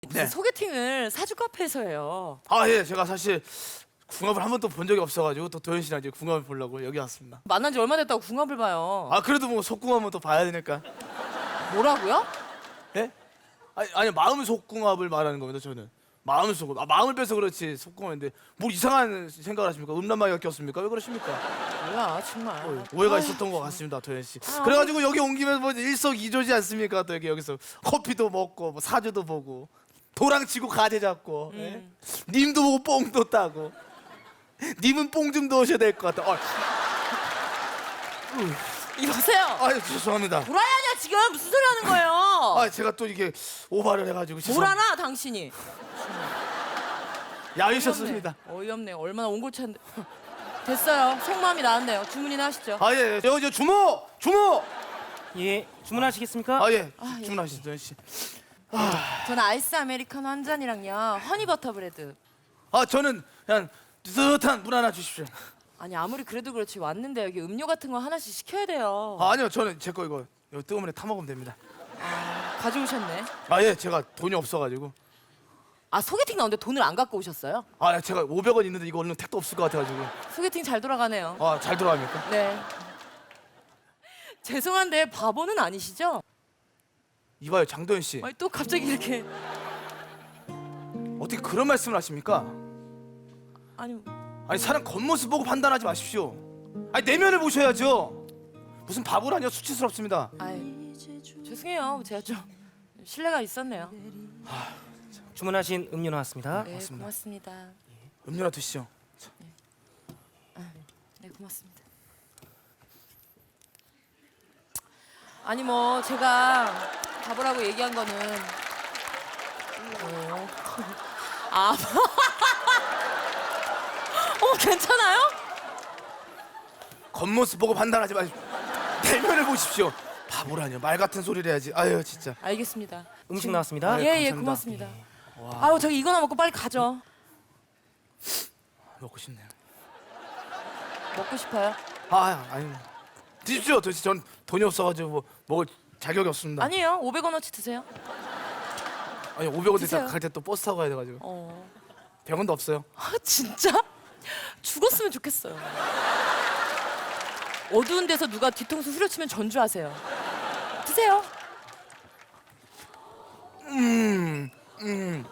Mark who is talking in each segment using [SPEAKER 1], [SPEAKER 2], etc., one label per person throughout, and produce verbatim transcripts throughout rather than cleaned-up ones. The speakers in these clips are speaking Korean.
[SPEAKER 1] 무슨
[SPEAKER 2] 네.
[SPEAKER 1] 소개팅을 사주 카페에서 해요.
[SPEAKER 2] 아, 예, 제가 사실 궁합을 한 번도 본 적이 없어가지고 또 도현 씨랑 이제 궁합을 보려고 여기 왔습니다.
[SPEAKER 1] 만난 지 얼마 됐다고 궁합을 봐요.
[SPEAKER 2] 아, 그래도 뭐 속궁합은 또 봐야 되니까.
[SPEAKER 1] 뭐라고요?
[SPEAKER 2] 예? 아니, 아니 마음 속궁합을 말하는 겁니다. 저는 마음 속, 아, 마음을 빼서 그렇지 속궁합인데 뭘 이상한 생각을 하십니까? 음란마귀가 꼈습니까? 왜 그러십니까?
[SPEAKER 1] 몰라 정말.
[SPEAKER 2] 어, 오해가 있었던 것 같습니다, 도현 씨.
[SPEAKER 1] 아,
[SPEAKER 2] 그래가지고 여기 온 김에 뭐 일석이조지 않습니까? 또 여기 여기서 커피도 먹고 뭐 사주도 보고 도랑 치고 가재 잡고, 예?
[SPEAKER 1] 음.
[SPEAKER 2] 님도 보고 뽕도 따고. 님은 뽕 좀 넣으셔야 될 것 같아. 어,
[SPEAKER 1] 이러세요.
[SPEAKER 2] 아유 죄송합니다.
[SPEAKER 1] 도라이 아니야 지금 무슨 소리 하는 거예요?
[SPEAKER 2] 아 제가 또 이게 오바를 해가지고
[SPEAKER 1] 뭘
[SPEAKER 2] 죄송합니다.
[SPEAKER 1] 하나 당신이?
[SPEAKER 2] 야위셨습니다.
[SPEAKER 1] 어이없네. 얼마나 온골차인데. 됐어요. 속마음이 나왔네요. 주문이나 하시죠.
[SPEAKER 2] 아 예, 저, 저 주모, 주모.
[SPEAKER 3] 예, 주문하시겠습니까?
[SPEAKER 2] 아 예,
[SPEAKER 1] 아, 예.
[SPEAKER 2] 주문하시죠, 도현 씨.
[SPEAKER 1] 저는 아이스 아메리카노 한 잔이랑요 허니버터 브레드.
[SPEAKER 2] 아 저는 그냥 뜨뜻한 물 하나 주십시오.
[SPEAKER 1] 아니 아무리 그래도 그렇지 왔는데 여기 음료 같은 거 하나씩 시켜야 돼요.
[SPEAKER 2] 아 아니요, 저는 제 거 이거 이거 뜨거운 물에 타 먹으면 됩니다.
[SPEAKER 1] 가져오셨네.
[SPEAKER 2] 아 예, 제가 돈이 없어가지고.
[SPEAKER 1] 아 소개팅 나오는데 돈을 안 갖고 오셨어요?
[SPEAKER 2] 아 제가 오백 원 있는데 이거 얼른 택도 없을 것 같아가지고.
[SPEAKER 1] 소개팅 잘 돌아가네요.
[SPEAKER 2] 아 잘 돌아갑니까?
[SPEAKER 1] 네. 죄송한데 바보는 아니시죠?
[SPEAKER 2] 이봐요, 장도현 씨.
[SPEAKER 1] 아니 또 갑자기 이렇게
[SPEAKER 2] 어떻게 그런 말씀을 하십니까?
[SPEAKER 1] 아니
[SPEAKER 2] 아니 사람 겉모습 보고 판단하지 마십시오. 아니 내면을 보셔야죠. 무슨 바보라뇨, 수치스럽습니다.
[SPEAKER 1] 아이 죄송해요. 제가 좀 신뢰가 있었네요.
[SPEAKER 3] 주문하신 음료 나왔습니다.
[SPEAKER 1] 네
[SPEAKER 2] 고맙습니다.
[SPEAKER 1] 고맙습니다.
[SPEAKER 2] 음료나 드시죠.
[SPEAKER 1] 네 고맙습니다. 아니 뭐 제가 바보라고 얘기한 거는 어. 아, 어 괜찮아요?
[SPEAKER 2] 겉모습 보고 판단하지 마십시오. 내면을 보십시오. 바보라뇨, 말 같은 소리를 해야지. 아유 진짜.
[SPEAKER 1] 알겠습니다.
[SPEAKER 3] 음식 나왔습니다.
[SPEAKER 2] 아, 예,
[SPEAKER 1] 예예
[SPEAKER 2] 감사합니다.
[SPEAKER 1] 고맙습니다. 아우 저기 이거나 먹고 빨리 가죠.
[SPEAKER 2] 먹고 싶네요.
[SPEAKER 1] 먹고 싶어요?
[SPEAKER 2] 아 아니 드십시오. 도대체 전 돈이 없어가지고 뭐 먹을 자격이 없습니다.
[SPEAKER 1] 아니에요. 오백 원어치 드세요.
[SPEAKER 2] 아니 오백 원
[SPEAKER 1] 드세요.
[SPEAKER 2] 대다 갈 때 또 버스 타고 가야 돼가지고
[SPEAKER 1] 어.
[SPEAKER 2] 백 원도 없어요.
[SPEAKER 1] 아 진짜? 죽었으면 좋겠어요. 어두운 데서 누가 뒤통수 후려치면 전주하세요. 드세요.
[SPEAKER 2] 음, 음.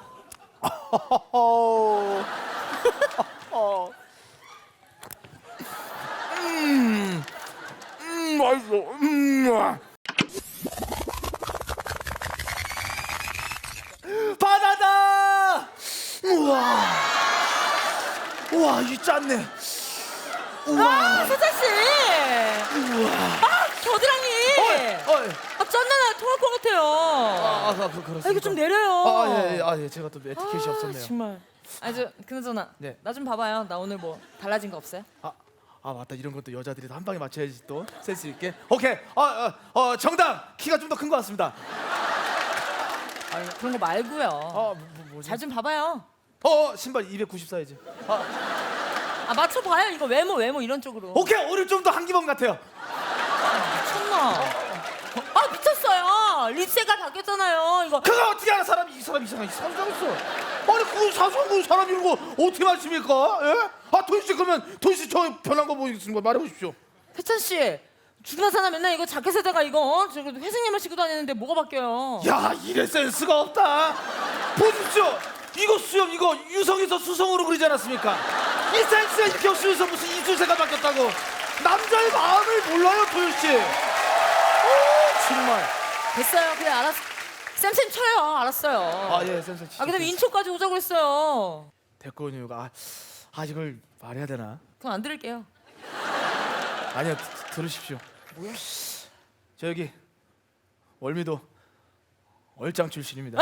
[SPEAKER 2] 어, 어. 음, 음, 맛있어. 음. 바다다! 우와, 우와, 이 짠네. 우와,
[SPEAKER 1] 세자 씨.
[SPEAKER 2] 우와.
[SPEAKER 1] 아 겨드랑이.
[SPEAKER 2] 어, 어,
[SPEAKER 1] 아 짠나나 통할 것 같아요.
[SPEAKER 2] 아, 아, 그, 그렇습니까?
[SPEAKER 1] 아, 이거 좀 내려요.
[SPEAKER 2] 아, 예, 예, 아, 예, 제가 또 에티켓이
[SPEAKER 1] 아,
[SPEAKER 2] 없었네요.
[SPEAKER 1] 정말. 아니 저 그나저나
[SPEAKER 2] 네.
[SPEAKER 1] 나 좀 봐봐요. 나 오늘 뭐 달라진 거 없어요?
[SPEAKER 2] 아, 아 맞다, 이런 것도 여자들이 한 방에 맞춰야지 또 센스 있게. 오케이, 아, 어, 어 정답, 키가 좀 더 큰 것 같습니다.
[SPEAKER 1] 그런 거 말고요.
[SPEAKER 2] 아, 뭐, 뭐지?
[SPEAKER 1] 잘 좀 봐봐요.
[SPEAKER 2] 어, 신발 이백구십 사이즈. 아,
[SPEAKER 1] 아 맞춰봐요. 이거 외모 외모 이런 쪽으로.
[SPEAKER 2] 오케이, 오늘 좀 더 한기범 같아요.
[SPEAKER 1] 미쳤나? 아 미쳤어요. 립세가 바뀌었잖아요. 이거
[SPEAKER 2] 그거 어떻게 알아? 사람이 이 사람 이상해, 상상했어. 아니 그 사소한 사람 이런 거 어떻게 맞습니까? 예? 아 도희 씨, 그러면 도희 씨 저 변한 거 보이겠습니까? 말해보십시오.
[SPEAKER 1] 혜찬 씨. 죽나 사나 맨날 이거 자켓에다가 이거 어? 저거 회색님을 신고 다니는데 뭐가 바뀌어요?
[SPEAKER 2] 야, 이래 센스가 없다. 보십시오. 이거 수염 이거 유성에서 수성으로 그리지 않았습니까? 이 센스가 이렇게 없으면서 무슨 이수세가 바뀌었다고. 남자의 마음을 몰라요, 도현 씨. 오, 정말.
[SPEAKER 1] 됐어요. 그래 알았어. 쌤쌤 쳐요. 알았어요.
[SPEAKER 2] 아, 예, 센스.
[SPEAKER 1] 아 그다음에 인초까지 오자고 했어요.
[SPEAKER 2] 됐군요. 아, 아 이걸 말해야 되나?
[SPEAKER 1] 그건 안 들을게요.
[SPEAKER 2] 아니요, 드- 들으십시오.
[SPEAKER 1] 뭐야?
[SPEAKER 2] 저 여기 월미도 얼짱 출신입니다.
[SPEAKER 1] 아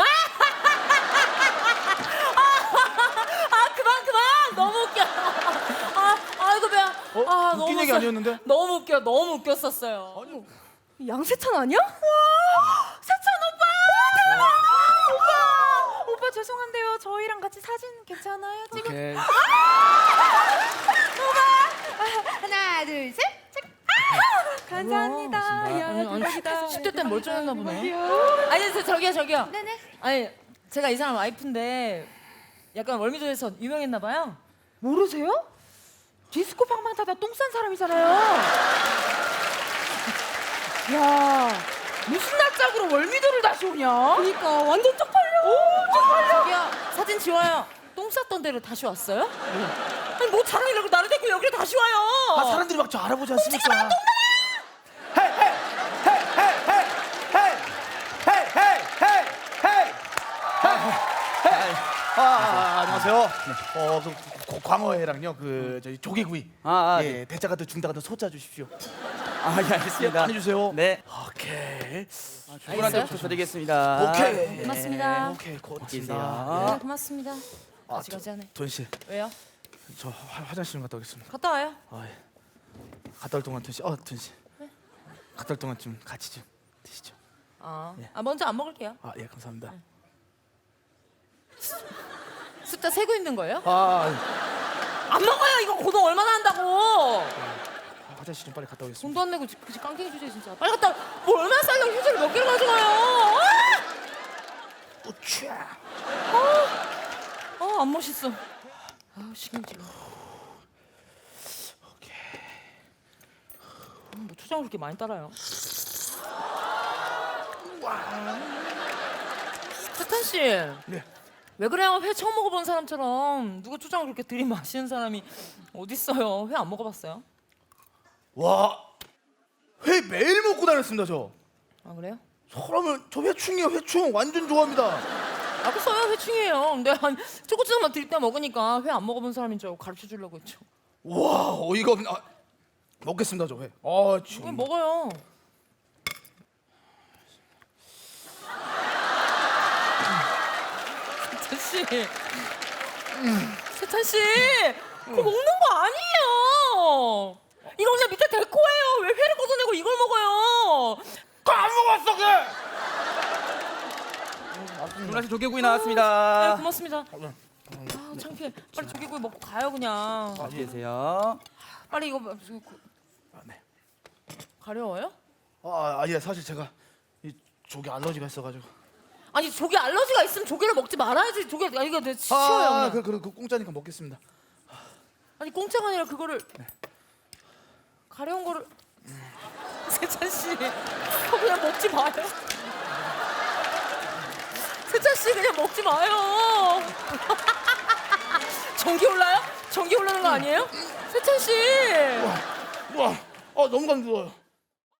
[SPEAKER 1] 그만 그만. 너무 웃겨. 아 아이고 배야.
[SPEAKER 2] 어?
[SPEAKER 1] 아
[SPEAKER 2] 웃긴
[SPEAKER 1] 너무
[SPEAKER 2] 얘기
[SPEAKER 1] 웃겨.
[SPEAKER 2] 아니었는데?
[SPEAKER 1] 너무 웃겨. 너무 웃겼었어요.
[SPEAKER 2] 아니요.
[SPEAKER 4] 양세찬 아니야? 와, 세찬 오빠! 대박! 오빠! 오빠 죄송한데요. 저희랑 같이 사진 괜찮아요? 찍어.
[SPEAKER 2] 오케이.
[SPEAKER 4] 하나, 둘, 셋. 찍. 아! 감사합니다.
[SPEAKER 2] 고맙습니다.
[SPEAKER 4] 야,
[SPEAKER 1] 아니, 아니,
[SPEAKER 4] 대박이다.
[SPEAKER 1] 십 대 때 멀쩡했나 보네.
[SPEAKER 4] 대박이야.
[SPEAKER 1] 아니 저, 저기요 저기요.
[SPEAKER 4] 네네.
[SPEAKER 1] 아니 제가 이 사람 와이프인데 약간 월미도에서 유명했나 봐요.
[SPEAKER 4] 모르세요? 디스코 방방 타다 똥 싼 사람이잖아요. 야, 무슨 낯짝으로 월미도를 다시 오냐?
[SPEAKER 1] 그러니까 완전 쪽팔려. 오, 쪽팔려. 저기요, 사진 지워요. 똥 쌌던 데로 다시 왔어요? 아니 뭐 자랑이라고 나를 데리고 여기로 다시 와요.
[SPEAKER 2] 아 사람들이 막 저 알아보지 않습니까? 헤이 헤이 헤이 헤이 헤이 헤이 헤이 헤이 헤이 헤이 아, 아 안녕하세요. 어, 그 고- 광어회랑요 그 저희 조개구이.
[SPEAKER 5] 아, 아,
[SPEAKER 2] 예, 대자가 더 중다가 더 소자 주십시오.
[SPEAKER 5] 아, 예, 알겠습니다.
[SPEAKER 2] 많이 주세요.
[SPEAKER 5] 네.
[SPEAKER 2] 오케이.
[SPEAKER 5] 주문한테
[SPEAKER 1] 알겠어요?
[SPEAKER 5] 부탁드리겠습니다.
[SPEAKER 2] 오케이.
[SPEAKER 1] 고맙습니다.
[SPEAKER 2] 오케이 고맙습니다.
[SPEAKER 5] 계세요.
[SPEAKER 1] 네, 고맙습니다.
[SPEAKER 2] 아,
[SPEAKER 1] 가지가지 하네.
[SPEAKER 2] 돈 씨,
[SPEAKER 1] 왜요?
[SPEAKER 2] 저 화, 화장실 좀 갔다 오겠습니다.
[SPEAKER 1] 갔다 와요.
[SPEAKER 2] 아, 예. 갔다 올 동안 돈 씨, 어, 돈 씨. 갔다 올 동안 좀 같이 좀 드시죠.
[SPEAKER 1] 아,
[SPEAKER 2] 예.
[SPEAKER 1] 아 먼저 안 먹을게요.
[SPEAKER 2] 아, 예, 감사합니다.
[SPEAKER 1] 숫자 세고 있는 거예요?
[SPEAKER 2] 아,
[SPEAKER 1] 안 먹어요. 이거 고동 얼마나 한다고.
[SPEAKER 2] 화장실 좀 빨리 갔다 오겠습니다.
[SPEAKER 1] 돈도 안 내고 지- 그지 깡통이 주제 진짜. 빨리 갔다. 와. 뭐 얼마나 살려고 휴지를 몇 개를 가져가요. 아!
[SPEAKER 2] 우차.
[SPEAKER 1] 아, 안 멋있어. 아, 신경질나. 음, 뭐 초장을 그렇게 많이 따라요? 세탄 씨.
[SPEAKER 2] 네.
[SPEAKER 1] 왜 그래요? 회 처음 먹어본 사람처럼 누가 초장을 그렇게 들이마시는 사람이 어딨어요? 회 안 먹어봤어요?
[SPEAKER 2] 와, 회 매일 먹고 다녔습니다 저.
[SPEAKER 1] 아 그래요?
[SPEAKER 2] 사람을 저 회충이에요 회충 완전 좋아합니다.
[SPEAKER 1] 아까 써요 회충이에요. 근데 한 초고추장만 드릴 때 먹으니까 회 안 먹어본 사람인 줄 알고 가르쳐 주려고 했죠.
[SPEAKER 2] 와 어이가 없네. 아, 먹겠습니다 저 회. 아
[SPEAKER 1] 왜
[SPEAKER 2] 참.
[SPEAKER 1] 먹어요? 세찬 씨, 세찬 씨, 그거 먹는 거 아니에요. 이거 그냥 밑에 데코예요. 왜 회를 걷어내고 이걸 먹어요?
[SPEAKER 2] 안 먹었어 걔.
[SPEAKER 5] 주문하신 조개구이
[SPEAKER 1] 네,
[SPEAKER 5] 나왔습니다.
[SPEAKER 1] 고맙습니다. 아 창피해. 빨리 조개구이 먹고 가요 그냥.
[SPEAKER 5] 어디 계세요?
[SPEAKER 1] 빨리 이거 뭐- 저기 그-
[SPEAKER 2] 아, 네.
[SPEAKER 1] 가려워요?
[SPEAKER 2] 아, 아, 예 사실 제가 이 조개 알러지가 있어가지고.
[SPEAKER 1] 아니 조개 알러지가 있으면 조개를 먹지 말아야지. 조개 아 이거 내 치워요
[SPEAKER 2] 아,
[SPEAKER 1] 그냥.
[SPEAKER 2] 그, 그, 그 공짜니까 먹겠습니다.
[SPEAKER 1] 아니 공짜가 아니라 그거를 가려운 거를 세찬 씨 그거 그냥 먹지 마요. 세찬 씨 그냥 먹지 마요. 전기 올라요? 전기 올라는 거 아니에요? 세찬 씨.
[SPEAKER 2] 와, 아 너무 감사해요.